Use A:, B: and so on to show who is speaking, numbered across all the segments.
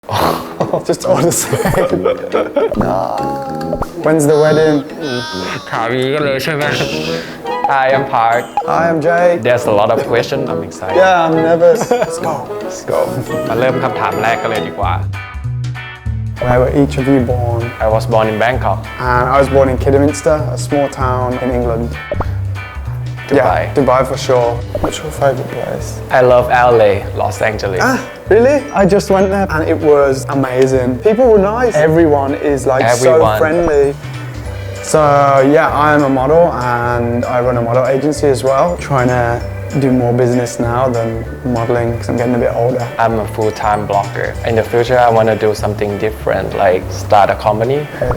A: Just all the same. When's the wedding?
B: ถามอย่างนี้กันเลยใช่ไหม Hi, I'm Park.
A: Hi, I'm Jake.
B: There's a lot of questions. I'm excited.
A: Yeah, I'm nervous. Let's go. Let's go.
B: มาเริ่มคำถามแรกกันเลยดีกว่า
A: Where were each of you born?
B: I was born in Bangkok.
A: And I was born in Kidderminster, a small town in England.
B: Dubai.
A: Yeah, Dubai for sure. What's your favorite place?
B: I love LA, Los Angeles.
A: Really? I just went there and it was amazing. People were nice. Everyone is like so friendly. So yeah, I'm a model and I run a model agency as well. Trying to do more business now than modeling because I'm getting a bit older.
B: I'm a full-time blogger. In the future, I want to do something different, like start a company.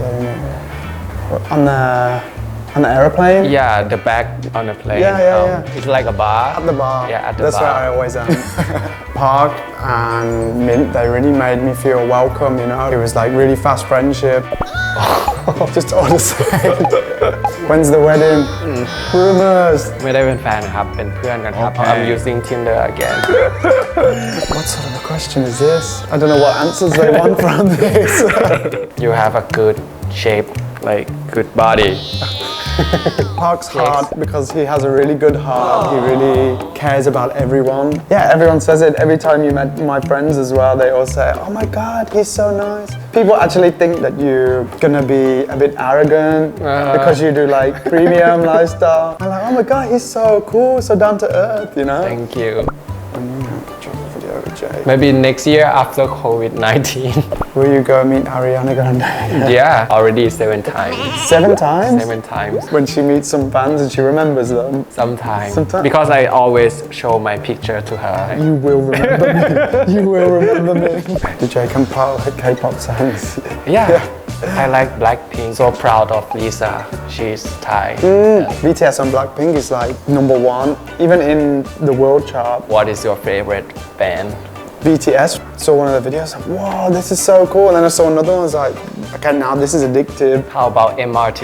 A: On the aeroplane?
B: Yeah, the back on the plane.
A: Yeah.
B: It's like a bar.
A: At the bar.
B: Yeah, at the
A: That's
B: bar.
A: where I always am. Park and Mint, they really made me feel welcome, you know. It was like really fast friendship. Just all the same. When's the wedding? Rumors.
B: ไม่ได้เป็นแฟนครับ เป็นเพื่อนกันครับ I'm using Tinder again.
A: What sort of a question is this? I don't know what answers they want from this.
B: You have a good shape, like good body.
A: Park's hard because he has a really good heart. He really cares about everyone. Yeah, everyone says it. Every time you met my friends as well, they all say, oh my God, he's so nice. People actually think that you're gonna be a bit arrogant because you do like premium lifestyle. I'm like, oh my God, he's so cool, so down to earth, you know?
B: Thank you.
A: Drop a video with Jay.
B: Maybe next year after COVID-19.
A: Will you go meet Ariana Grande?
B: Yeah, already 7 times.
A: 7 times?
B: 7 times.
A: When she meets some fans and she remembers them.
B: Sometimes.
A: Sometimes.
B: Because I always show my picture to her.
A: You will remember me. You will remember me. Did Jay compile her K-pop songs?
B: Yeah. I like Blackpink. So proud of Lisa. She's Thai.
A: BTS and Blackpink is like #1, even in the world chart.
B: What is your favorite band?
A: BTS, saw one of the videos, like, wow, this is so cool. And then I saw another one, I was like, okay, now this is addictive.
B: How about MRT?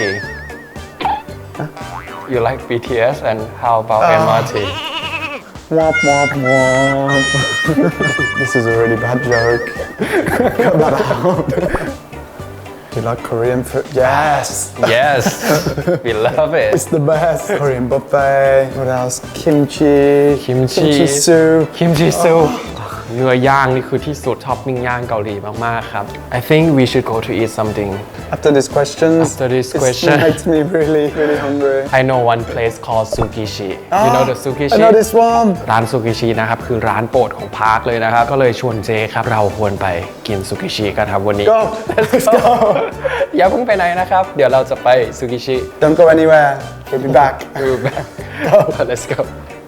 B: You like BTS and how about MRT?
A: Womp, womp, womp. This is a really bad joke. Cut that out. Do you like Korean food? Yes.
B: Yes, we love it.
A: It's the best. Korean buffet. What else? Kimchi.
B: Kimchi
A: soup.
B: Kimchi soup เนื้อย่างนี่คือที่สุดท็อปปิ้งย่างเกาหลีมากๆครับ I think we should go to eat something
A: After this question, it makes me really, really hungry.
B: I know one place called Sukishi You know the Sukishi
A: I know this one.
B: ร้านซูกิชินะครับคือร้านโปรดของพาร์คเลยนะครับก็เลยชวนเจครับเราควรไปกินซูกิชิกันครับวันนี้
A: Go. Let's go.
B: อย่าเพิ่งไปไหนนะครับเดี๋ยวเราจะไปซูกิชิ
A: Don't go anywhere. We'll be back.
B: We'll be back Let's go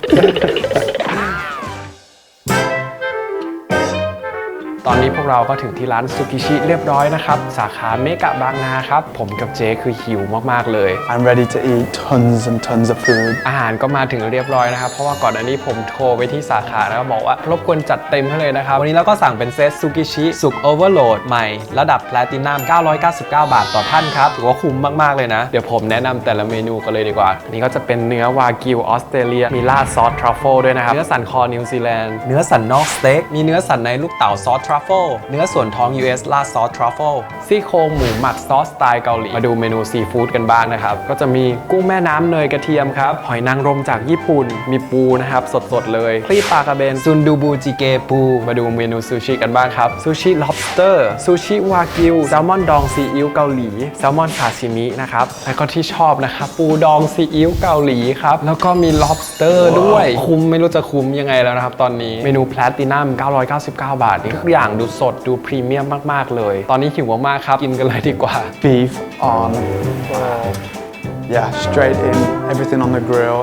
B: ตอนนี้พวกเราก็ถึงที่ร้านซูกิชิเรียบร้อยนะครับสาขาเมกะบางนาครับผมกับเจคือหิวมากๆเลย
A: I'm ready to eat tons and tons of food.
B: อาหารก็มาถึงเรียบร้อยนะครับเพราะว่าก่อนอันนี้ผมโทรไปที่สาขาแล้วก็บอกว่ารบกวนจัดเต็มให้เลยนะครับวันนี้เราก็สั่งเป็นเซตซูกิชิสุกโอเวอร์โหลดใหม่ระดับแพลตินัม999 บาทต่อท่านครับถือว่าคุ้มมากๆเลยนะเดี๋ยวผมแนะนำแต่ละเมนูกันเลยดีกว่าอันนี้ก็จะเป็นเนื้อวากิวออสเตรเลียมีราดซอสทรัฟเฟิลด้วยนะครับเนื้อสันคอนิวซีแลนด์เนื้อสันนอกสเต็กมีเนื้อสันในลูกเต๋าซอสทรัฟเฟิลเนื้อส่วนท้อง US ราดซอสทรัฟเฟิลซี่โครงหมูหมักซอสสไตล์เกาหลีมาดูเมนูซีฟู้ดกันบ้างนะครับก็จะมีกุ้งแม่น้ำเนยกระเทียมครับหอยนางรมจากญี่ปุ่นมีปูนะครับสดๆเลยคลีปลากระเบนซุนดูบูจิเกปูมาดูเมนูซูชิกันบ้างครับซูชิ lobster ซูชิวากิวแซลมอนดองซีอิ๊วเกาหลีแซลมอนซาชิมินะครับแล้วก็ที่ชอบนะครับปูดองซีอิ๊วเกาหลีครับแล้วก็มี lobster ด้วยคุ้มไม่รู้จะคุ้มยังไงแล้วนะครับตอนนี้เมนูแพลตินัม999 บาทนี่ทุกอย่างดูสดดูพรีเมียมมากๆเลยตอนนี้หิวมากๆครับกินกันเลยดีกว่า
A: Beef on. Yeah, straight in. Everything on the grill.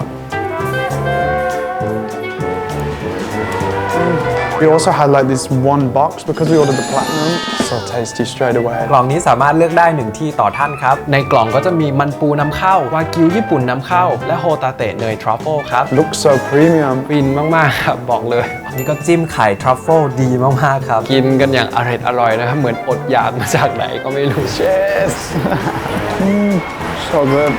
A: We also had like this one box because we ordered the platinum. So tasty straight away.
B: กล่องนี้สามารถเลือกได้1ที่ต่อท่านครับในกล่องก็จะมีมันปูนำเข้าวากิวญี่ปุ่นนำเข้าและโฮตาเตะเนยทรัฟเฟิลครับ
A: Looks so premium.
B: ฟินมากๆครับบอกเลยนี่ก็จิ้มไข่ทรัฟเฟิลดีมากๆครับกินกันอย่างอร่อยนะครับเหมือนอดอยากมาจากไหนก็ไม่รู้
A: Cheers. So good.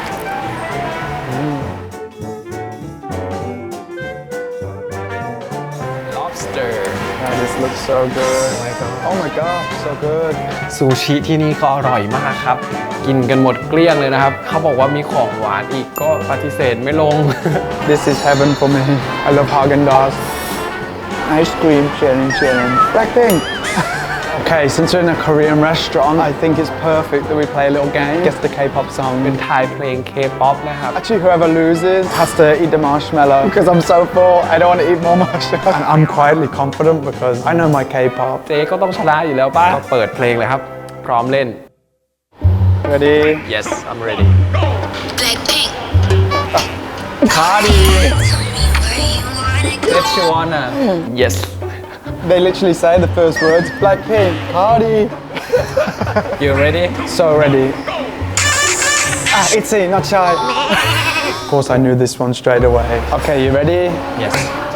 B: lobster
A: Try this looks so good. Oh my god, so good.
B: ซูชิที่นี่ก็อร่อยมากครับ กินกันหมดเกลี้ยงเลยนะครับ เขาบอกว่ามีของหวานอีกก็ปฏิเสธไม่ลง
A: This is heaven for me. I love Haagen-Dazs. Ice cream, chilling. Blackpink. Okay, since we're in a Korean restaurant, I think it's perfect that we play a little game. Guess the K-pop
B: เป็น
A: song.
B: ทายเพลง K-POP นะครับ
A: Actually, whoever loses has to eat the marshmallow because I'm so full. I don't want to eat more marshmallow. And I'm quietly confident because I know my K-pop.
B: เจ๊ก็ต้องชนะอยู่แล้วป่ะ ก็เปิดเพลงเลยครับ พร้อมเล่น
A: Ready?
B: Yes I'm ready
C: Blackpink.
B: Cardi
C: Tell me where you wanna go.
B: Let's you wanna Yes
A: They literally say the first words. Blackpink, Cardi.
B: You ready
A: So ready. Itzy, not shy. Of course, I knew this one straight away. Okay, you ready?
B: Yes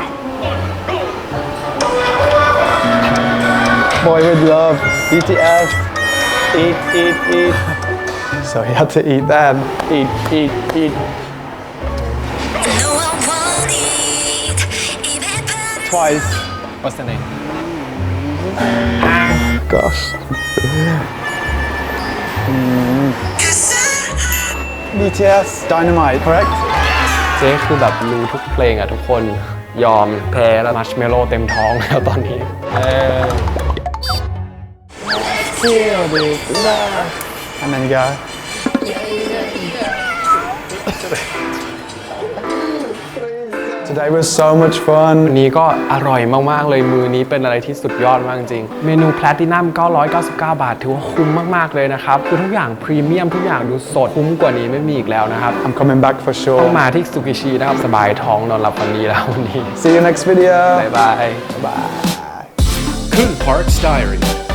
A: Boy with love, BTS. Eat. So he had to eat that. Eat.
C: No, I won't eat. Even better.
A: Twice.
B: What's the name
A: Gosh. BTS, Dynamite, correct?
B: เจ๊คือแบบรู้ทุกเพลงอะทุกคนยอมแพ้แล้วมัชเมลโล่เต็มท้องแล้วตอนนี้
A: And then you go. Today was so much fun.
B: วันนี้ก็อร่อยมากๆเลยมือนี้เป็นอะไรที่สุดยอดมากจริงเมนูแพลตินัม999 บาทถือว่าคุ้มมากๆเลยนะครับคือทุกอย่างพรีเมียมทุกอย่างดูสดคุ้มกว่านี้ไม่มีอีกแล้วนะครับ
A: I'm coming back for
B: ต้อง
A: sure.
B: มาที่ซูกิชินะครับสบายท้องนอนหลับฝันดีแล้ววันนี้
A: See you next video.
B: บ๊ายบาย
A: Bye.
D: Coon Park's Diary.